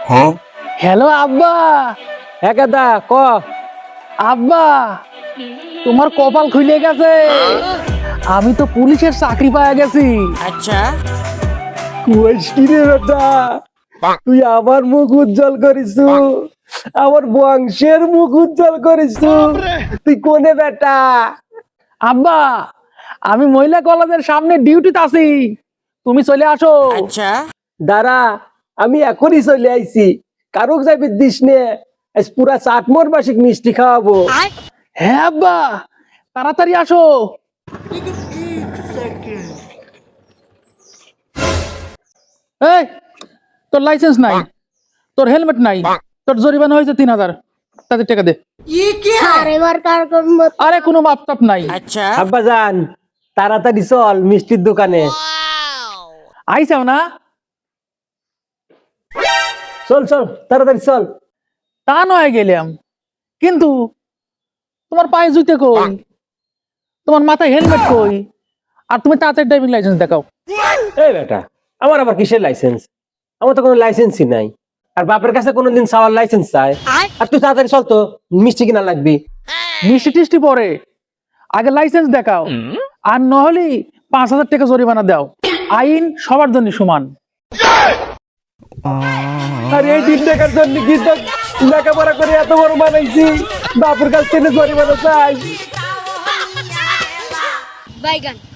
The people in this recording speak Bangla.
হ্যালো আব্বা। হ্যাঁ গাদা ক। আব্বা তোমার কপাল খুলে গেছে, আমি তো পুলিশের চাকরি পাওয়া গেছি। আচ্ছা কইস কি রে বেটা, তুই আমার মুখ উজ্জ্বল করিস, আমার বংশের মুখ উজ্জ্বল করিস। তুই কোনে বেটা? আব্বা আমি মহিলা কলেজের সামনে ডিউটিতে আছি, তুমি চলে আসো। আচ্ছা দাঁড়া, আমি এখনই চলে আইছি। কারুক যাবি দিস নে, আজ পুরা চাটমোর মাসিক মিষ্টি খাওয়াবো। হ্যাঁ আব্বা তাড়াতাড়ি আসো। এই তোর লাইসেন্স নাই, তোর হেলমেট নাই, তোর জরিমানা হয়েছে 3000, তাদের টাকা দে। আরে কোনো মাপ টাপ নাই। আচ্ছা আব্বা জান তাড়াতাড়ি চল মিষ্টির দোকানে। আইসাও না? চল চল তাড়াতাড়ি চল। তা নয় গেলাম, কিন্তু তোমার পায়ে জুতে কই, তোমার মাথায় হেলমেট কই, আর তুমি তাড়াতাড়ি ড্রাইভিং লাইসেন্স দেখাও। এই বেটা, আমার আবার কিসের লাইসেন্স? আমার তো কোনো লাইসেন্সই নাই। আর বাপের কাছে কোনোদিন চাওয়ার লাইসেন্স চাই? আর তুই তাড়াতাড়ি চল তো, মিষ্টি কিনা লাগবি। মিষ্টি টিষ্টি পরে, আগে লাইসেন্স দেখাও, আর নহলে 5000 টাকা জরিমানা দাও। আইন সবার জন্য সমান। আর এই 3 টাকার জন্য কি তো লেখাপড়া করে এত বড় বানাইছি, বাপের কাছ থেকে জরিমানা চাই? বাইগান